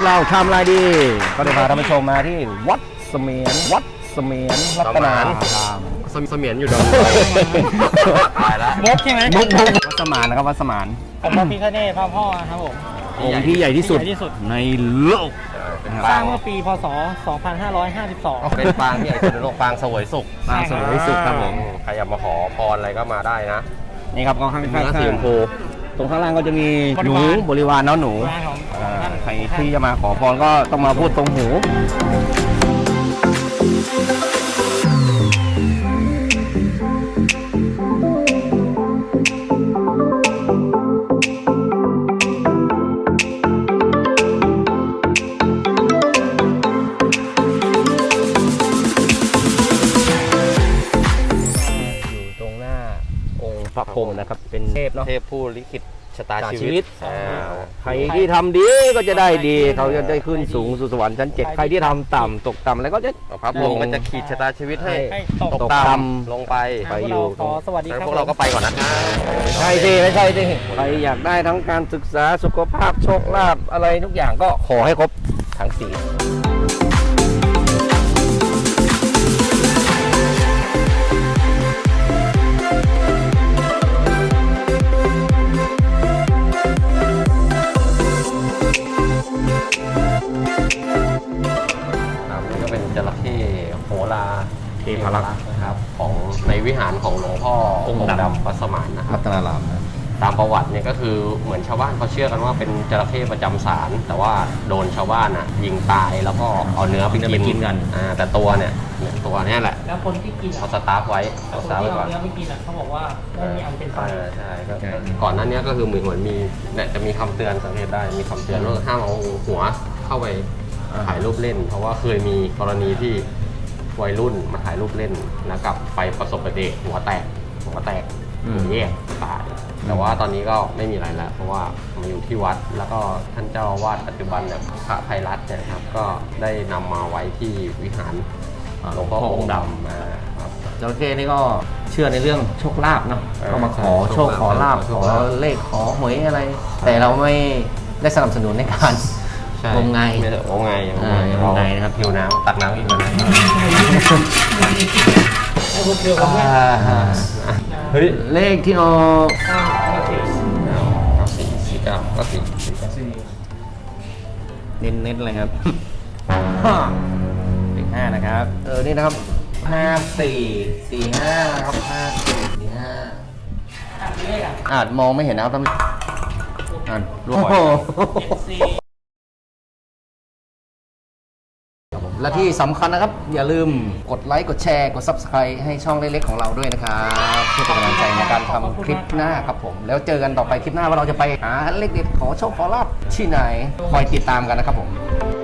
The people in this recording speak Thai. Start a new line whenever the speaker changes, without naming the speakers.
เราชามลายดีก็ได้พาท่านผู้ชมมาที่วัดเสมียนรัตนาราม
เสมียนอยู่ดอนตายแล้ว
มุกใช่ไหม
มุกวัดสมานนะครับวัดสมาน
ผมพระพิฆเนศพระพ่อครับผม
องค์ที่ใหญ่ที่สุดในโลก
สร้างเมื่อปีพศ 2552
เป็นปางที่ใหญ่สุดในโลกปางเสวยสุข
ครับผม
ใครอยากมาขอพรอะไรก็มาได้นะ
นี่ครับกองข้างสีชมพูตรงข้างล่างก็จะมีหนูบริวารหนูใครที่จะมาขอพรก็ต้องมาพูดตรงหู
พระพรหมนะครับเป็นเทพผู้ลิขิตชะตาชีวิต
ใครที่ทำดีก็จะได้ดีเขาจะได้ขึ้นสูงสู่สวรรค์ชั้น7ใครที่ทำต่ำตกต่ำแล้วก็จะ
พระพรหมมันจะขีดชะตาชีวิตให้ตกต่ำลงไป
อยู่สวัสดีครับ
พวกเราก็ไปก่อนนะ
ใช่สิไม่ใช่สิใครอยากได้ทั้งการศึกษาสุขภาพโชคลาภอะไรทุกอย่างก็ขอให้ครบทั้ง4
จระเข้โหราเทพรักษ์นะครับของในวิหารของหลวงพ่อองค์ดำวัดสมานนะครับ
รัตนาราม
ตามประวัติเนี่ยก็คือเหมือนชาวบ้านเขาเชื่อกันว่าเป็นจระเข้ประจำศาลแต่ว่าโดนชาวบ้านยิงตายแล้วก็เอาเนื้อไปกินกันแต่ตัวเนี่ยตัวนี้แหละ
แล้วคนที่กิน
เขาสตาร์ฟไว้
ไว้ก่อนเนื้อไม่กินเขาบอกว่าไม่มีอันเป็นไป
ใช่ก่อนหน้านี้ก็คือเหมือนมีเนี่ยจะมีคำเตือนสังเกตได้มีคำเตือนว่าห้ามเอาหัวเข้าไปถ่ายรูปเล่นเพราะว่าเคยมีกรณีที่วัยรุ่นมาถ่ายรูปเล่นแล้วกับไปประสบอุบัติเหตุหัวแตกหัวแยกตายแต่ว่าตอนนี้ก็ไม่มีอะไรแล้วเพราะว่ามาอยู่ที่วัดแล้วก็ท่านเจ้าอาวาสปัจจุบันเนี่ยพระไพรัตน์เนี่ยครับก็ได้นำมาไว้ที่วิหารหลวงพ่อองค์ดำมาครับ
จระเข้นี่ก็เชื่อในเรื่องโชคลาภเนาะก็มาขอโชคขอลาภขอเลขขอหวยอะไรแต่เราไม่ได้สนับสนุนในการงมงาย
นะครับหิวน้ำตักน้ำอีกนะ
เฮ้ยเลขที่ออกเน้นเลยครับเลข5นะครับนี่นะครับ5445นะครับ5445อาจมองไม่เห็นนะครับท่านรวยและที่สำคัญนะครับอย่าลืมกดไลค์กดแชร์กด Subscribe ให้ช่องเล็กๆของเราด้วยนะครับเพื่อเป็นกำลังใจในการทำคลิปหน้าครับผมแล้วเจอกันต่อไปคลิปหน้าว่าเราจะไปหาเลขเด็ดขอโชคขอลาภที่ไหนคอยติดตามกันนะครับผม